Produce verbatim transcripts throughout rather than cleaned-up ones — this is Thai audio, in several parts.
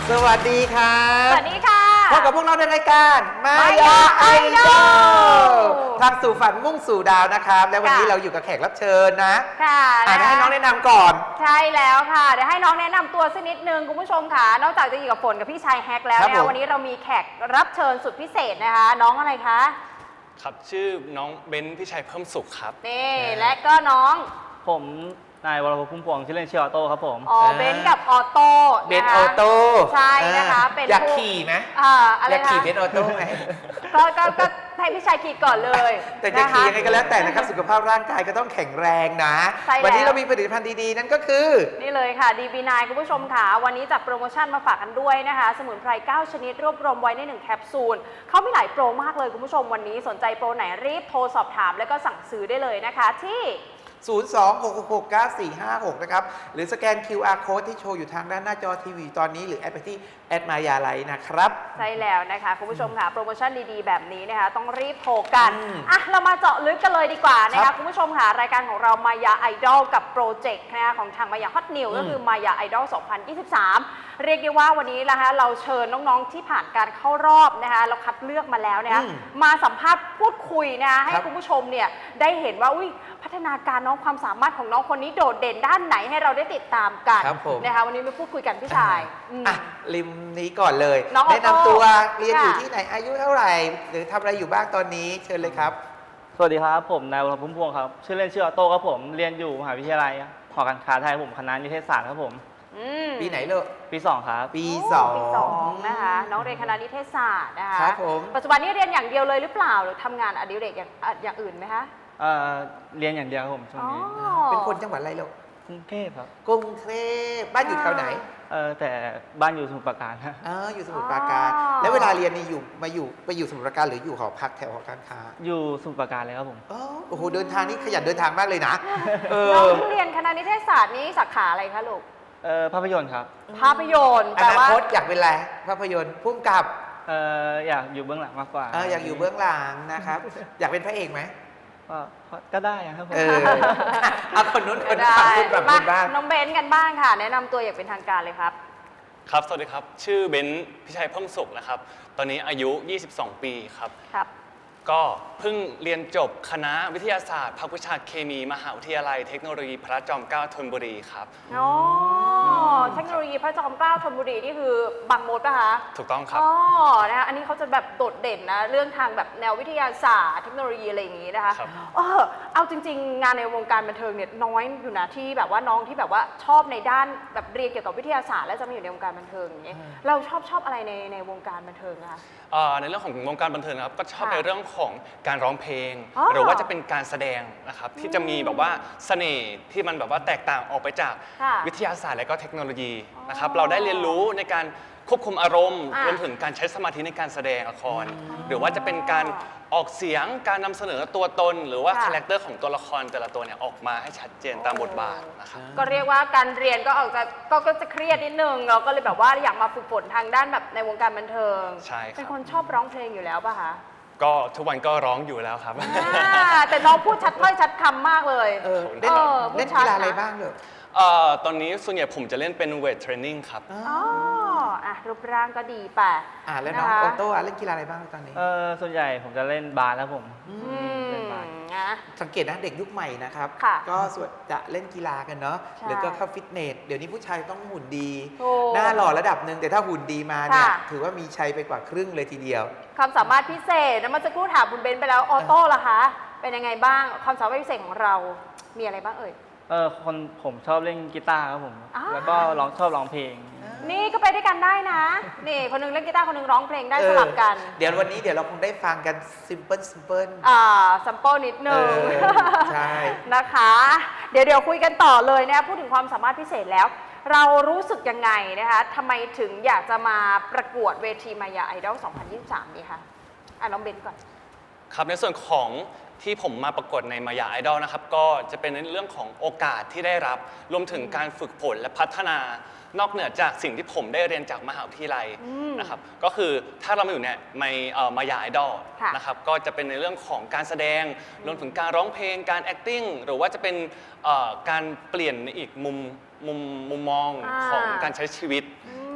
สวัสดีครับสวัสดีค่ะพบกับพวกเราในรายการมายาไอดอลทางสู่ฝันมุ่งสู่ดาวนะครับและวันนี้เราอยู่กับแขกรับเชิญนะค่ะอ่านให้น้องแนะนำก่อนใช่แล้วค่ะเดี๋ยวให้น้องแนะนำตัวสักนิดนึงคุณผู้ชมค่ะนอกจากจะอยู่กับฝนกับพี่ชายแฮกแล้วเนี่ยวันนี้เรามีแขกรับเชิญสุดพิเศษนะคะน้องอะไรคะครับชื่อน้องเบนซ์พิชัยเพิ่มสุขครับนี่และก็น้องผมนายวรพพุ่มพวงชื่อเล่นชื่อออโต้ครับผมอ๋อเบนซ์กับออโต้เบนซ์ออโต้ใช่นะคะเป็นอยากขี่ไหมอ่าอะไรนะอยากขี่เบนซ์ออโต้ไหมก็ก็ก็ให้พี่ชายขี่ก่อนเลยแต่จะขี่ยังไงก็แล้วแต่นะครับสุขภาพร่างกายก็ต้องแข็งแรงนะวันนี้เรามีผลิตภัณฑ์ดีๆนั่นก็คือนี่เลยค่ะ ดี บี ไนน์ คุณผู้ชมค่ะวันนี้จัดโปรโมชั่นมาฝากกันด้วยนะคะสมุนไพรเก้าชนิดรวบรวมไว้ในหนึ่งแคปซูลเขามีหลายโปรมากเลยคุณผู้ชมวันนี้สนใจโปรไหนรีบโทรสอบถามแล้วก็สั่งซื้อได้เลยนะคะที่ศูนย์ สอง หก หก หก เก้า สี่ ห้า หก นะครับหรือสแกน คิว อาร์ Code ที่โชว์อยู่ทางด้านหน้าจอทีวีตอนนี้หรือแอดไปที่แอดมายาไลท์นะครับใช่แล้วนะคะคุณผู้ชมค่ะโปรโมชั่นดีๆแบบนี้นะคะต้องรีบโทรกันอ่ะเรามาเจาะลึกกันเลยดีกว่านะคะคุณผู้ชมค่ะรายการของเรามายาไอดอลกับโปรเจกต์นะคะของทางมายาฮอตนิวก็คือมายาไอดอลสองพันยี่สิบสามเรียกได้ว่าวันนี้นะคะเราเชิญน้องๆที่ผ่านการเข้ารอบนะคะเราคัดเลือกมาแล้วนะคะมาสัมภาษณ์พูดคุยนะคะให้คุณผู้ชมเนี่ยได้เห็นว่าอุ้ยพัฒนาการน้องความสามารถของน้องคนนี้โดดเด่นด้านไหนให้เราได้ติดตามกันนะคะวันนี้มาพูดคุยกันพี่ชายอ่ะริมนี้ก่อนเลยแนะนำตัวเรียนอยู่ที่ไหนอายุเท่าไหร่หรือทำอะไรอยู่บ้างตอนนี้เชิญเลยครับสวัสดีครับผมนายวรพพุ่มพวงครับชื่อเล่นชื่อออโต้ครับผมเรียนอยู่มหาวิทยาลัยหอการค้าไทยผมคณะนิเทศศาสตร์ครับผมปีไหนลูกปีสองครับปีสองปีสองนะคะน้องเรียนคณะนิเทศศาสตร์นะคะครับผมปัจจุบันนี้เรียนอย่างเดียวเลยหรือเปล่าหรือทำงานอดิเรกอย่างอย่างอื่นไหมคะเอ่อเรียนอย่างเดียวครับผมช่วงนี้เป็นคนจังหวัดอะไรลูกกรุงเทพครับกรุงเทพบ้านอยู่แถวไหนเออแต่บ้านอยู่สมุทรปราการฮะอ๋ออยู่สมุทรปราการแล้วเวลาเรียนนี่อยู่มาอยู่ไปอยู่สมุทรปราการหรืออยู่หอพักแถวหอการค้าอยู่สมุทรปราการเลยครับผมโอ้โหเดินทางนี่ขยันเดินทางมากเลยนะน้องเรียนคณะนิเทศศาสตร์นี้สาขาอะไรคะลูกเออภาพยนตร์ครับภาพยนตร์อนาคตอยากเป็นอะไรภาพยนตร์พุ่มกับเอออยากอยู่เบื้องหลังมากกว่าเอออยากอยู่เบื้องหลังนะครับอยากเป็นพระเอกไหมก็ได้ครับผมเออเอาคนนู้นคนนี้คนแบบคนบ้างน้องเบนซ์กันบ้างค่ะแนะนำตัวอย่างเป็นทางการเลยครับครับสวัสดีครับชื่อเบนซ์พิชัยเพิ่มสุขนะครับตอนนี้อายุยี่สิบสองปีครับครับก็เพิ่งเรียนจบคณะวิทยาศาสตร์ภาควิชาเคมีมหาวิทยาลัยเทคโนโลยีพระจอมเกล้าธนบุรีครับอ๋อเทคโนโลยีพระจอมเกล้าธนบุรีนี่คือบางมดป่ะคะถูกต้องครับอ๋อนะคะอันนี้เขาจะแบบโดดเด่นนะเรื่องทางแบบแนววิทยาศาสตร์เทคโนโลยีอะไรอย่างนี้นะคะเออเอาจริงๆงานในวงการบันเทิงเนี่ยน้อยอยู่นะที่แบบว่าน้องที่แบบว่าชอบในด้านแบบเรียนเกี่ยวกับวิทยาศาสตร์แล้วจะมาอยู่ในวงการบันเทิงอย่างนี้เราชอบชอบอะไรในในวงการบันเทิงคะในเรื่องของวงการบันเทิงนะครับก็ชอบในเรื่องของการร้องเพลงหรือว่าจะเป็นการแสดงนะครับที่จะมีแบบว่าเสน่ห์ที่มันแบบว่าแตกต่างออกไปจากวิทยาศาสตร์และก็เทคโนโลยีนะครับเราได้เรียนรู้ในการควบคุมอารมณ์รวมถึงการใช้สมาธิในการแสดงละครหรือว่าจะเป็นการออกเสียงการนำเสนอตัวตนหรือว่าคาแรคเตอร์ของตัวละครแต่ละตัวเนี่ยออกมาให้ชัดเจนตามบทบาทนะครับก็เรียกว่าการเรียนก็ออกจะก็ก็จะเครียดนิดนึงเราก็เลยแบบว่าอยากมาฝึกฝนทางด้านแบบในวงการบันเทิงใช่ครับเป็นคนชอบร้องเพลงอยู่แล้วป่ะคะก็ทุกวันก็ร้องอยู่แล้วครับแต่น้องพูดชัดถ้อยชัดคำมากเลยเออเล่นเล่นกีฬาอะไรบ้างเลยตอนนี้ส่วนใหญ่ผมจะเล่นเป็นเวทเทรนนิ่งครับอ๋ออ่ะรูปร่างก็ดีป่ะอ่าแล้วน้องโอโต้เล่นกีฬาอะไรบ้างตอนนี้เออส่วนใหญ่ผมจะเล่นบาสแล้วผมเล่นบาสสังเกตนะเด็กยุคใหม่นะครับก็ส่วนจะเล่นกีฬากันเนาะหรือก็เข้าฟิตเนสเดี๋ยวนี้ผู้ชายต้องหุ่นดีหน้าหล่อระดับหนึ่งแต่ถ้าหุ่นดีมาเนี่ยถือว่ามีชัยไปกว่าครึ่งเลยทีเดียวความสามารถพิเศษนะเมื่อสักครู่ถามคุณเบนไปแล้วออโต้ล่ะคะเป็นยังไงบ้างความสามารถพิเศษของเรามีอะไรบ้างเอ่ยเออคนผมชอบเล่นกีตาร์ครับผมแล้วก็ร้องชอบร้องเพลงนี่ก็ไปด้วยกันได้นะนี่คนนึงเล่นกีตาร์คนนึงร้องเพลงได้สลับกันเดี๋ยววันนี้เดี๋ยวเราคงได้ฟังกันซิมเปิลซิมเปิลอ่าซัมเปิลนิดนึงใช่นะคะเดี๋ยวเดี๋ยวคุยกันต่อเลยนะพูดถึงความสามารถพิเศษแล้วเรารู้สึกยังไงนะคะทำไมถึงอยากจะมาประกวดเวทีมายาไอดอลสองพันยี่สิบสามนี่คะอ่ะน้องเบนก่อนครับในส่วนของที่ผมมาประกวดในมายาไอดอลนะครับก็จะเป็นในเรื่องของโอกาสที่ได้รับรวมถึงการฝึกฝนและพัฒนานอกเหนือจากสิ่งที่ผมได้เรียนจากมหาวิทยาลัยนะครับก็คือถ้าเรามาอยู่เนี่ยในมายาไอดอลนะครับก็จะเป็นในเรื่องของการแสดงรวมถึงการร้องเพลงการ acting หรือว่าจะเป็นการเปลี่ยนในอีกมุมมุมมุมมองของการใช้ชีวิตท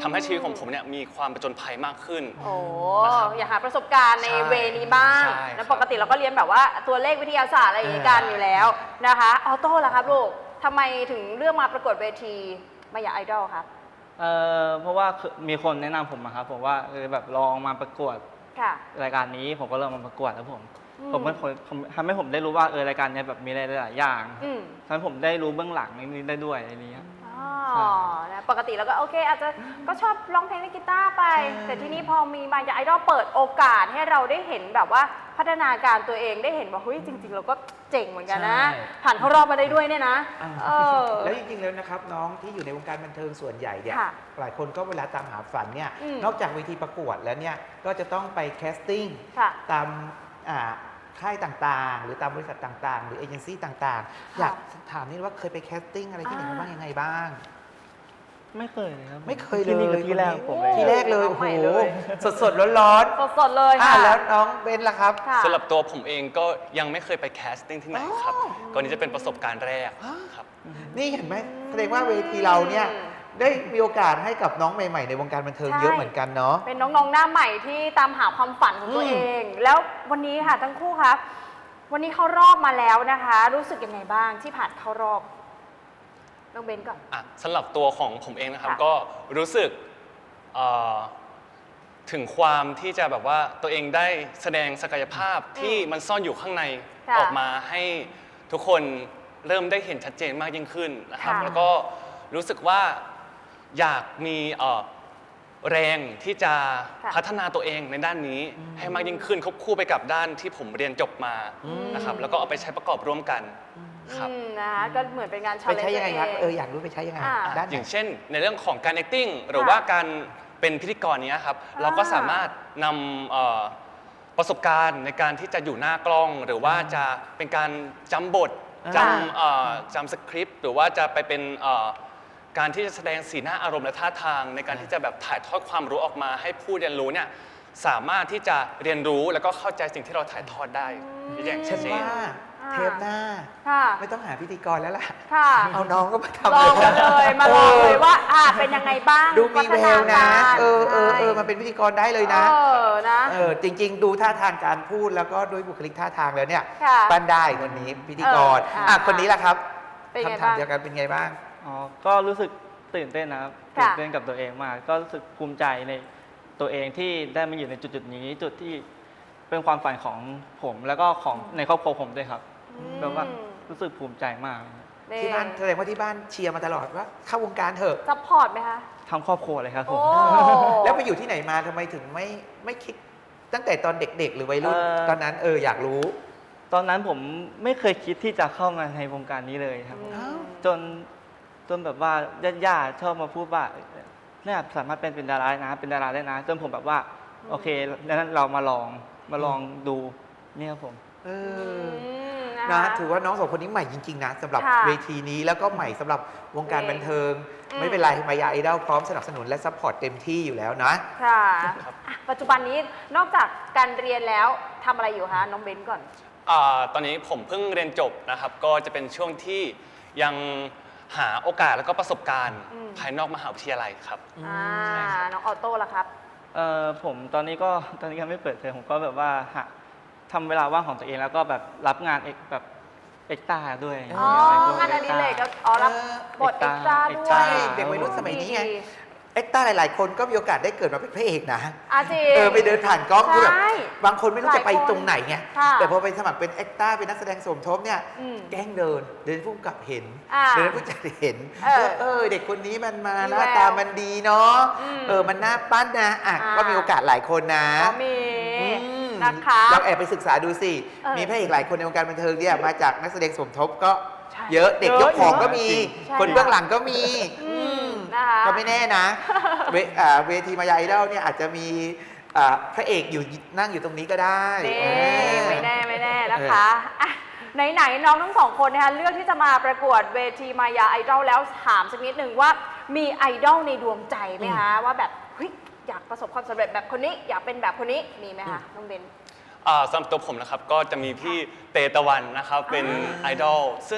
ทำให้ชีวิตของผมเนี่ยมีความประจนภัยมากขึ้นโอ้นะครับอยากหาประสบการณ์ในใช่เวนี้บ้างใช่แล้วครับปกติเราก็เรียนแบบว่าตัวเลขวิทยาศาสตร์อะไรอย่างนี้กันอยู่แล้วนะคะออโต้ล่ะครับลูกทำไมถึงเลือกมาประกวดเวทีมายาไอดอลครับเอ่อเพราะว่าคือมีคนแนะนำผมมาครับผมว่าเออแบบลองมาประกวดค่ะรายการนี้ผมก็เริ่มมาประกวดแล้วผมอืมผมเป็นคนผมทำให้ผมได้รู้ว่าเออรายการเนี้ยแบบมีอะไรหลายๆอย่างอืมทำให้ผมได้รู้เบื้องหลังนี้ได้ด้วยอะไรเงี้ยอ๋อนะปกติเราก็โอเคอาจจะก็ชอบร้องเพลงเล่นกีตาร์ไปใช่แต่ที่นี้พอมีมายาไอดอลเปิดโอกาสให้เราได้เห็นแบบว่าพัฒนาการตัวเองได้เห็นว่าเฮ้ยจริง ๆ เราก็เจ๋งเหมือนกันนะใช่ผ่านเข้ารอบมาได้ด้วยเนี่ยนะอ่าเออแล้วจริงๆแล้วนะครับน้องที่อยู่ในวงการบันเทิงส่วนใหญ่เนี่ยค่ะหลายคนก็เวลาตามหาฝันเนี่ยอืมนอกจากเวทีประกวดแล้วเนี่ยก็จะต้องไปแคสติ้งค่ะตามอ่าค่ายต่างๆ หรือตามบริษัทต่างๆ หรือเอเจนซี่ต่างๆ อยากถามนิดว่าเคยไปแคสติ้งอะไรที่ไหนมาบ้างยังไงบ้างไม่เคยเลยครับไม่เคยเลยที่นี่คือที่แรกของผมเลยที่แรกเลยน้โอ้องโหใหม่เลยสดๆร้อนสดๆเลยๆอ่าค่ะแล้วน้องเบนล่ะครับค่ะสำหรับตัวผมเองก็ยังไม่เคยไปแคสติ้งที่ไหนครับอ๋อก็นี่จะเป็นประสบการณ์แรกครับนี่เห็นไหมแสดงว่าเวทีเราเนี่ยได้มีโอกาสให้กับน้องใหม่ๆ ในวงการบันเทิงใช่เยอะเหมือนกันเนาะเป็นน้องๆหน้าใหม่ที่ตามหาความฝันของตัวอืมเอง แล้ววันนี้ค่ะทั้งคู่ครับ วันนี้เข้ารอบมาแล้วนะคะ รู้สึกยังไงบ้างที่ผ่านเข้ารอบน้องเบนก่อนอ่ะสำหรับตัวของผมเองนะครับค่ะก็รู้สึกเอ่อถึงความที่จะแบบว่าตัวเองได้แสดงศักยภาพที่มันซ่อนอยู่ข้างในค่ะออกมาให้ทุกคนเริ่มได้เห็นชัดเจนมากยิ่งขึ้นนะครับค่ะแล้วก็รู้สึกว่าอยากมีเอ่อแรงที่จะค่ะพัฒนาตัวเองในด้านนี้ให้มากยิ่งขึ้นควบคู่ไปกับด้านที่ผมเรียนจบมานะครับแล้วก็เอาไปใช้ประกอบร่วมกันครับอืมนะคะก็เหมือนเป็นงานไป challenge ใช้ยังไงครับตัวเอออยากรู้ไปใช้ยังไงอ่าด้านไหอน ย่างเช่นในเรื่องของการ acting หรือค่ะว่าการเป็นพิธีกรเนี้ยครับอ่าเราก็สามารถนำเอ่อประสบการณ์ในการที่จะอยู่หน้ากล้อง หรือว่าจะเป็นการจำบทอ่าจำเอ่อจำสคริปต์หรือว่าจะไปเป็นเอ่อการที่จะแสดงสีหน้าอารมณ์และท่าทาง ในการที่จะแบบถ่ายทอดความรู้ออกมาให้ผู้เรียนรู้เนี่ยสามารถที่จะเรียนรู้แล้วก็เข้าใจสิ่งที่เราถ่ายทอดได้อย่างฉัชันดเจนว่าเทปหน้าค่ะไม่ต้องหาพิธีกรแล้วล่ะค่ะเอาน้องก็มาทำลองมาเลยมาลองเลยว่าอ่าเป็นยังไงบ้างดูมีแววนะพัฒาการเออเออเออใช่มาเป็นพิธีกรได้เลยนะเออนะเออจริง ๆ ดูท่าทางการพูดแล้วก็ด้วยบุคลิกท่าทางแล้วเนี่ยค่ะปั้นได้คนนี้พิธีกรเอออ่ะอ่ะคนนี้ล่ะครับเป็นไงคำถามบ้างเดียวกันเป็นไงบ้างอ๋อ ก็รู้สึกตื่นเต้นนะครับค่ะตื่นเต้นกับตัวเองมาก ก็รู้สึกภูมิใจในตัวเองที่ได้มาอยู่ในจุดๆนี้ จุดที่เป็นความฝันของผมแล้วก็ของในครอบครัวผมด้วยครับแบบว่ารู้สึกภูมิใจมากที่บ้านแสดงว่าที่บ้านเชียร์มาตลอดว่าเข้าวงการเถอะซัพพอร์ตไหมคะทั้งครอบครัวเลยครับผโอ้มแล้วไปอยู่ที่ไหนมาทำไมถึงไม่ไม่คิดตั้งแต่ตอนเด็กๆ หรือวัยรุ่นเอ่อตอนนั้นเอออยากรู้ตอนนั้นผมไม่เคยคิดที่จะเข้ามาในวงการนี้เลยครับผมอ้าวจนจนแบบว่าญาติๆชอบมาพูดว่าเนี่ยสามารถเป็นเป็นดาราได้นะ เป็นดาราได้นะ จนผมแบบว่า โอเคดังนั้นเรามาลองมาลองดูเนี่ยครับผมเออือมนะนะคะถือว่าน้องสองคนนี้ใหม่จริง ๆ นะสำหรับค่ะเวทีนี้แล้วก็ใหม่สำหรับวงการบันเทิงอืมไม่เป็นไรมายาไอดอลพร้อมสนับสนุนและซัพพอร์ตเต็มที่อยู่แล้วนะค่ะอ่ะ ปัจจุบันนี้นอกจากการเรียนแล้วทำอะไรอยู่คะน้องเบนก่อนอ่าตอนนี้ผมเพิ่งเรียนจบนะครับ ก็จะเป็นช่วงที่ยังหาโอกาสแล้วก็ประสบการณ์อืมภายนอกมหาวิทยาลัยครับอ่าใช่ครับน้องออโต้ล่ะครับเอ่อผมตอนนี้ก็ตอนนี้ยังไม่เปิดเทอมผมก็แบบว่าหาทำเวลาว่างของตัวเองแล้วก็แบบรับงานเอกแบบเอ็กต้าด้วยอ๋อ งานอดิเรกก็อ๋อรับบทเอ็กซ์ตร้าด้วใช่ยเด็กวัยรุ่นสมัยนี้ไงดีเอ็กต้าหลาย ๆ คนก็มีโอกาสได้เกิดมาเป็นพระเอกนะอาจริงเออไปเดินผ่านกล้องคือแบบใช่บางคนไม่รู้จะไปหลายคนตรงไหนไงค่ะแต่พอไปสมัครเป็นเอ็กต้าเป็นนักแสดงสมทบเนี่ยอืมแกล้งเดิน เดินผู้กำกับเห็นอ่าเดินผู้จัดเห็นเออเออเด็กคนนี้มันมามีหน้าแววตามันดีเนาะอืมเออมันน่าปั้นนะอ่ะอ่าก็มีโอกาสหลายคนนะก็มีอืมนะคะลองแอบไปศึกษาดูสิเออมีพระเอกหลายคนในวงการบันเทิงเนี่ยมาจากนักแสดงสมทบก็ใช่เยอะเด็กเยอะยกของก็มีใช่คนเบื้องหลังก็มีอืมอืมนะคะก็ไม่แน่นะ เวอ่าเวทีมายาไอดอลเนี่ยอาจจะมีอ่าพระเอกอยู่นั่งอยู่ตรงนี้ก็ได้นี่เออไม่แน่ไม่แน่นะคะอ่ะไหนๆน้องทั้งสองคนนะคะเลือกที่จะมาประกวดเวทีมายาไอดอลแล้วถามสักนิดหนึ่งว่ามีไอดอลในดวงใจไหมคะว่าแบบเฮ้ยอยากประสบความสำเร็จแบบคนนี้ อยากเป็นแบบคนนี้มีไหมคะน้องเบนอ่าสำหรับตัวผมนะครับก็จะมีพี่เตตะวันนะครับเป็นไอดอลซึ่ง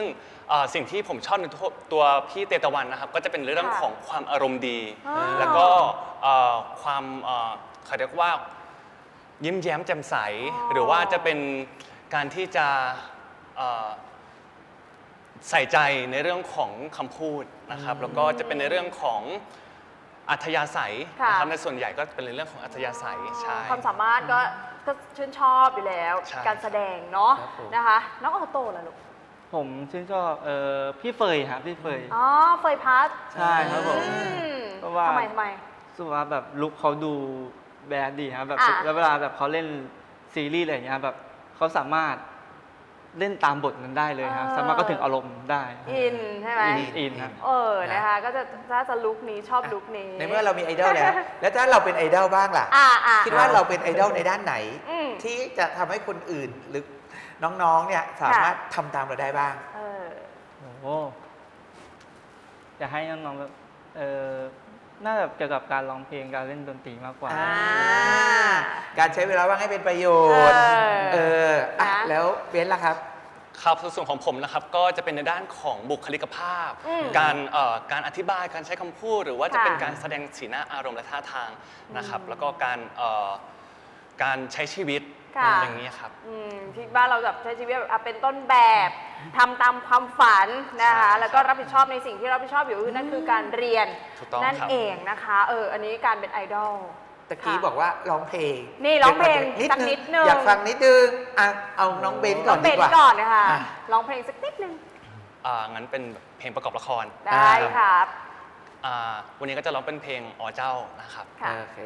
เอ่อสิ่งที่ผมชอบในตัวตัวพี่เตตะวันนะครับก็จะเป็นเรื่องค่ะของความอารมณ์ดีอ๋อแล้วก็เอ่อความเอ่อเขาเรียกว่ายิ้มแย้มแจ่มใสอ๋อหรือว่าจะเป็นการที่จะเอ่อใส่ใจในเรื่องของคำพูดนะครับแล้วก็จะเป็นในเรื่องของอัธยาศัยค่ะนะครับในส่วนใหญ่ก็เป็นในเรื่องของอัธยาศัยใช่ความสามารถก็ก็ชื่นชอบอยู่แล้วใช่การแสดงเนาะครับผมนะคะ น้องออโต้ล่ะลูกผมชื่นชอบเอ่อพี่เฟยครับพี่เฟยอ๋อเฟยพัทใช่ครับผมอืมเพราะว่าทำไมทำไมรู้สึกว่าแบบลุคเขาดูแบดดีครับแบบอ่ะแล้วเวลาแบบเขาเล่นซีรีส์อะไรอย่างเงี้ยแบบเขาสามารถเล่นตามบทนั้นได้เลยครับสามารถก็ถึงอารมณ์ได้อินใช่ไหมอินอินครับเออนะคะ ก็จะถ้าจะลุคนี้ชอบลุคนี้ในเมื่อเรามีไอดอลแล้ว แล้วถ้าเราเป็นไอดอลบ้างล่ะอ่าอ่าคิดว่าเราเป็นไอดอลในด้านไหนอืมที่จะทำให้คนอื่นหรือน้องๆเนี่ยสามารถทำตามเราได้บ้างเออโอ้โหอยากให้น้องๆแบบเออน่าจะเกี่ยวกับการร้องเพลงการเล่นดนตรีมากกว่าอ่า การใช้เวลาว่างให้เป็นประโยชน์ เอออ่ะนะแล้วเบนซ์ล่ะครับครับส่วนของผมนะครับก็จะเป็นในด้านของบุคลิกภาพอืมการเอ่อการอธิบายการใช้คำพูด หรือว่าจะค่ะเป็นการแสดงสีหน้าอารมณ์และท่าทางนะครับ แล้วก็การเอ่อการใช้ชีวิตค่ะอย่างนี้ครับอืมที่บ้านเราแบบใช้ชีวิตแบบอ่ะเป็นต้นแบบทำตามความฝันนะคะใช่แล้วก็รับผิดชอบในสิ่งที่รับผิดชอบอยู่คือนั่นคือการเรียนถูกต้องนั่นครับเองนะคะเอออันนี้การเป็นไอดอลตะกี้ค่ะบอกว่าร้องเพลงนี่ร้องเพลงนิดสักนึงนิดนึงอยากฟังนิดนึงอ่ะเอาน้องเบนซ์ก่ต้ออน งดีเป็นกว่าก่อนนะคะอ่ะร้องเพลงสักนิดนึงอ่างั้นเป็นเพลงประกอบละครได้ครับอ่าวันนี้ก็จะร้องเป็นเพลงอ๋อเจ้านะครับค่ะโอเค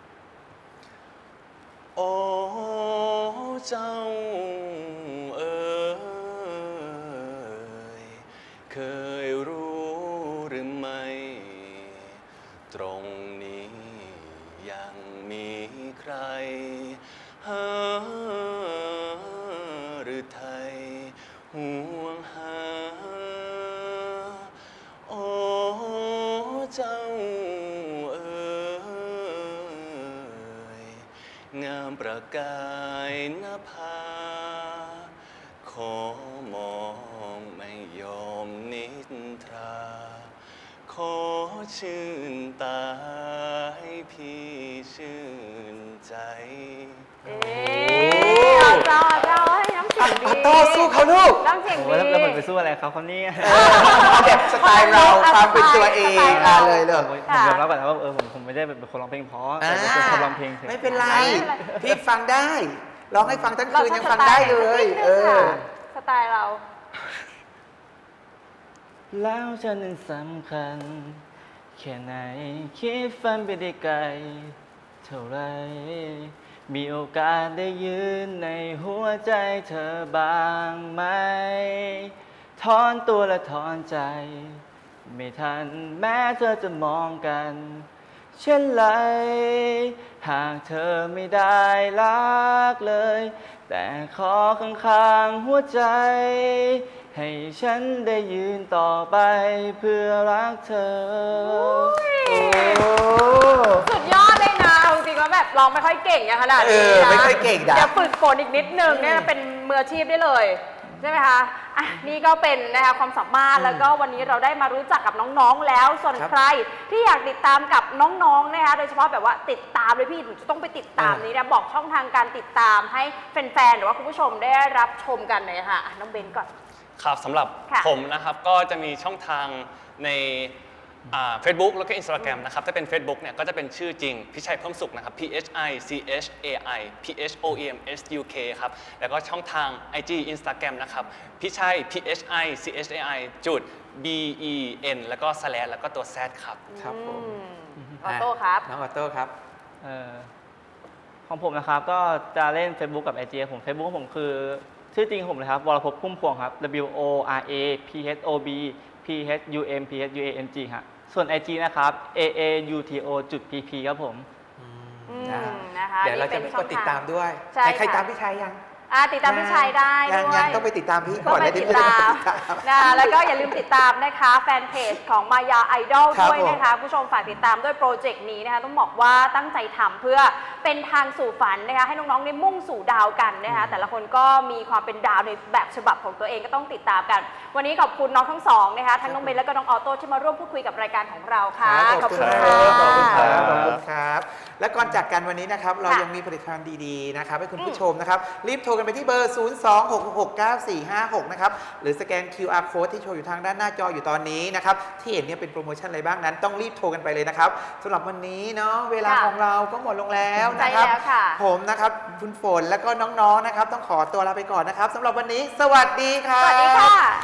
โอ้เจ้าเอ๋ยเคยรู้หรือไม่ ตรงนี้ยังมีใครหาหรือไทยห่วงหา โอ้เจ้าเอ๋ยงามประกายนภา ขอมองไม่ยอมนิทรา ขอชื่นตาให้พี่ชื่นใจเอ๊ะเอาเจ้าเอาเจ้าให้น้ำเสียงดีอ่ะโต้สู้เขาลูกน้ำเสียงโอ้ดีโหแล้วแล้วเหมือนไปสู้อะไรเขาเขาเนี่ยเอาแบบสไตล์เราความเป็นตัวเองอ่ะเลยเลยผมผมยอมรับก่อนนะว่าเออผมผมไม่ได้เป็นคนร้องเพลงเพราะแต่เป็นคนชอบร้องเพลงเฉยไม่เป็นไรไม่เป็นไรพี่ฟังได้ ร้องให้ฟังทั้งคืนยังฟังได้เลย เออสไตล์เราแล้วฉันนั้นสำคัญ แค่ไหนคิดฝันไปได้ไกล เท่าไร มีโอกาสได้ยืนในหัวใจเธอบ้างไหม ถอนตัวและถอนใจ ไม่ทันแม้เธอจะมองกัน เช่นไร หากเธอไม่ได้รักเลย แต่ขอข้างๆหัวใจ ให้ฉันได้ยืนต่อไปเพื่อรักเธอโอ้สุดยอดเลยนะเอาจริงๆว่าแบบร้องไม่ค่อยเก่งอย่างขนาดนี้เออนะไม่ค่อยเก่งนะเดี๋ยวฝึกฝนอีกนิดนึงเนี่ยเป็นมืออาชีพได้เลยใช่ไหมคะอ่ะนี่ก็เป็นนะคะความสามารถแล้วก็วันนี้เราได้มารู้จักกับน้องๆแล้วส่วนครับใครที่อยากติดตามกับน้องๆนะคะโดยเฉพาะแบบว่าติดตามเลยพี่หนูจะต้องไปติดตามเออนี้นะบอกช่องทางการติดตามให้แฟนๆหรือว่าคุณผู้ชมได้รับชมกันเลยค่ะอ่ะน้องเบนก่อนครับสำหรับค่ะผมนะครับก็จะมีช่องทางในเฟซบุ๊กแล้วก็ Instagram นะครับถ้าเป็น Facebook เนี่ยก็จะเป็นชื่อจริงพิชัยเพิ่มสุขนะครับ P H I C H A I P H O E M S U K ครับแล้วก็ช่องทาง ไอ จี Instagram นะครับพิชัย P H I C H A I จุด B E N แล้วก็ slash แล้วก็ตัว Z ครับครับผมอืมออโต้ครับน้องออโต้ครับเออของผมนะครับก็จะเล่น Facebook กับ ไอ จี ผม Facebook ของผมคือชื่อจริงของผมเลยครับวรภพพุ่มพวงครับ W O R A P H O B P H U M P H U A N G ฮะส่วน ไอ จี นะครับ A A U T O จุด P P ครับผมอืมนะนะคะเดี๋ยวเราจะนี่ไปป็นช่กอดงติดทงตามด้วยใช่ไหนใครค่ะตามพี่ชายยังอ่าติดตามพี่ชัยได้ยัด้วยยังต้องไปติดตามพี่ก็ก่อนไปแล้วติดเยวตามจะไปนะแล้วก็อย่าลืมติดตามนะคะแฟนเพจของมายาไอดอลครับด้วยนะคะผู้ชมฝากติดตามด้วยโปรเจกต์นี้นะคะต้องบอกว่าตั้งใจทำเพื่อเป็นทางสู่ฝันนะคะให้น้องๆได้มุ่งสู่ดาวกันนะคะแต่ละคนก็มีความเป็นดาวในแบบฉบับของตัวเองก็ต้องติดตามกัน วันนี้ขอบคุณน้องทั้งสองนะคะทั้งน้องเบนและก็น้องออโต้ที่มาร่วมพูดคุยกับรายการของเราค่ะขอบคุณะครับขอบคุณครับขขออบบ คุคุณ ณครับ และก่อนจากกันวันนี้นะครับเราค่ะยังมีผลิตภัณฑ์ดีๆนะครับให้คุณผู้ชมนะครับรีบโทรกันไปที่เบอร์ ศูนย์ สอง หก หก เก้า สี่ ห้า หก นะครับหรือสแกน คิว อาร์ Code ที่โชว์อยู่ทางด้านหน้าจออยู่ตอนนี้นะครับที่เห็นเนี่ยเป็นโปรโมชั่นอะไรบ้างนั้นต้องรีบโทรกันไปเลยนะครับสำหรับวันนี้เนาะเวลาค่ะของเราก็หมดลงแล้วใช่นะครับแล้วค่ะผมนะครับคุณฝนแล้วก็น้องๆนะครับต้องขอตัวลาไปก่อนนะครับสำหรับวันนี้สวัสดีครับสวัสดีค่ะ